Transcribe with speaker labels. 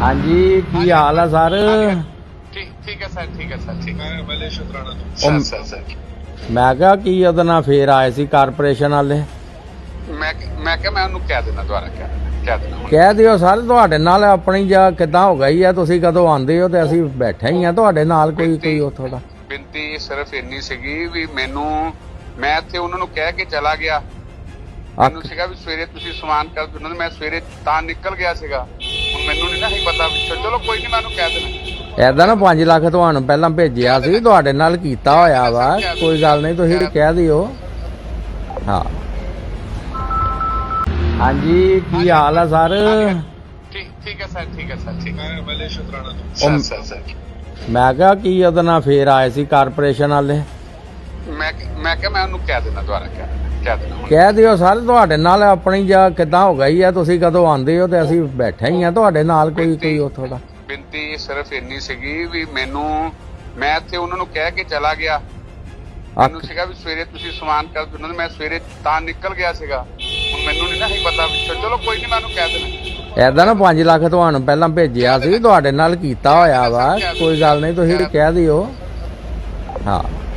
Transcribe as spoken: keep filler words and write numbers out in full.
Speaker 1: हाँ जी की हाल है सर?
Speaker 2: ठीक ठीक है सर ठीक है सर ठीक है
Speaker 3: ਮੈਂ ਮਲੇ ਸ਼ੁਕਰਾਨਾ
Speaker 2: सर सर सर
Speaker 1: मैं क्या की ਉਹਦੇ ਨਾਲ ਫੇਰ ਆਏ ਸੀ ਕਾਰਪੋਰੇਸ਼ਨ ਵਾਲੇ।
Speaker 2: ਮੈਂ ਮੈਂ ਕਿਹਾ ਮੈਂ ਉਹਨੂੰ ਕਹਿ ਦੇਣਾ ਦੁਬਾਰਾ ਕਹਿ ਦੇਣਾ ਕਹਿ ਦੇਣਾ ਹੁਣ।
Speaker 1: ਕਹਿ ਦਿਓ ਸਰ ਤੁਹਾਡੇ ਨਾਲ ਆਪਣੀ ਜਾਂ ਕਿੱਦਾਂ ਹੋ ਗਈ ਹੈ, ਤੁਸੀਂ ਕਦੋਂ ਆਉਂਦੇ ਹੋ ਤੇ ਅਸੀਂ ਬੈਠੇ ਹੀ ਆ ਤੁਹਾਡੇ ਨਾਲ। ਕੋਈ ਕੋਈ ਉੱਥੋਂ ਦਾ
Speaker 2: ਬੇਨਤੀ ਸਿਰਫ ਇੰਨੀ ਸੀਗੀ ਵੀ ਮੈਨੂੰ ਮੈਂ ਇੱਥੇ ਉਹਨਾਂ ਨੂੰ ਕਹਿ ਕੇ ਚਲਾ ਗਿਆ। ਮੈਨੂੰ ਸੀਗਾ ਵੀ ਸਵੇਰੇ ਤੁਸੀਂ ਸਮਾਨ ਕਰ ਦਿਓ, ਮੈਂ ਸਵੇਰੇ ਤਾਂ ਨਿਕਲ ਗਿਆ ਸੀਗਾ। ਹੁਣ ਮੈਨੂੰ ਨਹੀਂ ਨਾ ਹੀ ਪਤਾ ਵੀ ਚਲੋ ਕੋਈ ਨਹੀਂ ਮੈਂ ਉਹਨੂੰ ਕਹਿ ਦੇਣਾ।
Speaker 1: ਐਦਾਂ ਨਾ ਪੰਜ ਲੱਖ ਤੁਹਾਨੂੰ ਪਹਿਲਾਂ ਭੇਜਿਆ ਸੀ, ਤੁਹਾਡੇ ਨਾਲ ਕੀਤਾ ਹੋਇਆ ਵਾ, ਕੋਈ ਗੱਲ ਨਹੀਂ, ਤੁਸੀਂ ਕਹਿ ਦਿਓ। ਹਾਂ ਹਾਂਜੀ ਕੀ ਹਾਲ ਹੈ ਸਰ?
Speaker 2: ਠੀਕ ਠੀਕ ਹੈ ਸਰ ਠੀਕ ਹੈ ਸਰ ਠੀਕ ਹੈ
Speaker 3: ਮੈਂ ਮਲੇ ਸ਼ੁਕਰਾਨਾ
Speaker 2: ਸਰ ਸਰ ਸਰ
Speaker 1: ਮੈਂ ਕਿਹਾ ਕੀ ਉਹਦੇ ਨਾਲ ਫੇਰ ਆਏ ਸੀ ਕਾਰਪੋਰੇਸ਼ਨ ਵਾਲੇ।
Speaker 2: ਮੈਂ ਮੈਂ ਕਿਹਾ ਮੈਂ ਉਹਨੂੰ ਕਹਿ ਦੇਣਾ ਦੁਬਾਰਾ ਕਹਿ ਦੇਣਾ ਕਹਿ ਦੇਣਾ ਹੁਣ।
Speaker 1: ਕਹਿ ਦਿਓ ਸਰ ਤੁਹਾਡੇ ਨਾਲ ਆਪਣੀ ਜਾਂ ਕਿੱਦਾਂ ਹੋ ਗਈ ਹੈ, ਤੁਸੀਂ ਕਦੋਂ ਆਉਂਦੇ ਹੋ ਤੇ ਅਸੀਂ ਬੈਠੇ ਹੀ ਆ ਤੁਹਾਡੇ ਨਾਲ। ਕੋਈ ਕੋਈ ਉੱਥੋਂ ਦਾ
Speaker 2: ਬੇਨਤੀ ਸਿਰਫ ਇੰਨੀ ਸੀਗੀ ਵੀ ਮੈਨੂੰ ਮੈਂ ਇੱਥੇ ਉਹਨਾਂ ਨੂੰ ਕਹਿ ਕੇ ਚਲਾ ਗਿਆ। ਮੈਨੂੰ ਸੀਗਾ ਵੀ ਸਵੇਰੇ ਤੁਸੀਂ ਸਮਾਨ ਕਰ ਦਿਓ, ਮੈਂ ਸਵੇਰੇ ਤਾਂ ਨਿਕਲ ਗਿਆ ਸੀਗਾ। ਹੁਣ ਮੈਨੂੰ ਨਹੀਂ ਨਾ ਹੀ ਪਤਾ ਵੀ ਚਲੋ ਕੋਈ ਨਹੀਂ ਮੈਂ ਉਹਨੂੰ ਕਹਿ ਦੇਣਾ।
Speaker 1: ਐਦਾਂ ਨਾ ਪੰਜ ਲੱਖ ਤੁਹਾਨੂੰ ਪਹਿਲਾਂ ਭੇਜਿਆ ਸੀ, ਤੁਹਾਡੇ ਨਾਲ ਕੀਤਾ ਹੋਇਆ ਵਾ, ਕੋਈ ਗੱਲ ਨਹੀਂ, ਤੁਸੀਂ ਕਹਿ ਦਿਓ। ਹਾਂ